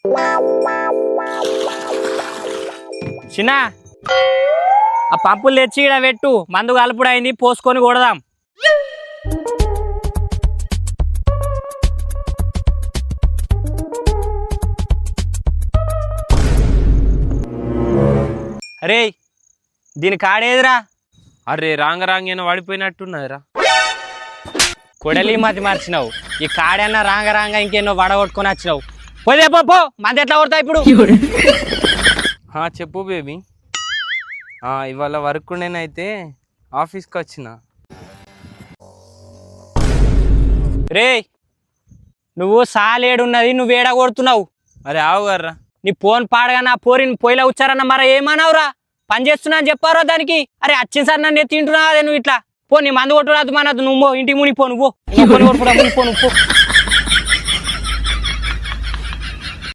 చిన్న ఆ పంపులు తెచ్చి ఇక్కడ పెట్టు, మందు కలుపుడు అయింది, పోసుకొని కొడదాం. అరే దీని కాడేదిరా? అరే రాంగేనో పడిపోయినట్టున్నదిరా. కొడలి మతి మార్చినావు. ఈ కాడన్నా రాంగ ఇంకెన్నో వడగొట్టుకొని వచ్చినావు. పోదే పో, మంది ఎట్లా కొడతావు ఇప్పుడు? చెప్పు బేబీ. ఇవాళ వర్క్ ఉండేనైతే ఆఫీస్కి వచ్చిన. రే నువ్వు సాలేడున్నది, నువ్వు ఏడ కొడుతున్నావు? అరే ఆవుగారా, నీ ఫోన్ పాడగా నా పోరిని పొయ్యిలో వచ్చారన్న మరి ఏమన్నావురా? పని చేస్తున్నా అని చెప్పారా దానికి? అరే వచ్చిన సార్ నన్ను తింటున్నావు అదే నువ్వు ఇట్లా. పో నీ మందు కొట్టురాదు మనదు, నువ్వు ఇంటికి మునిపో, నువ్వు మునిపో.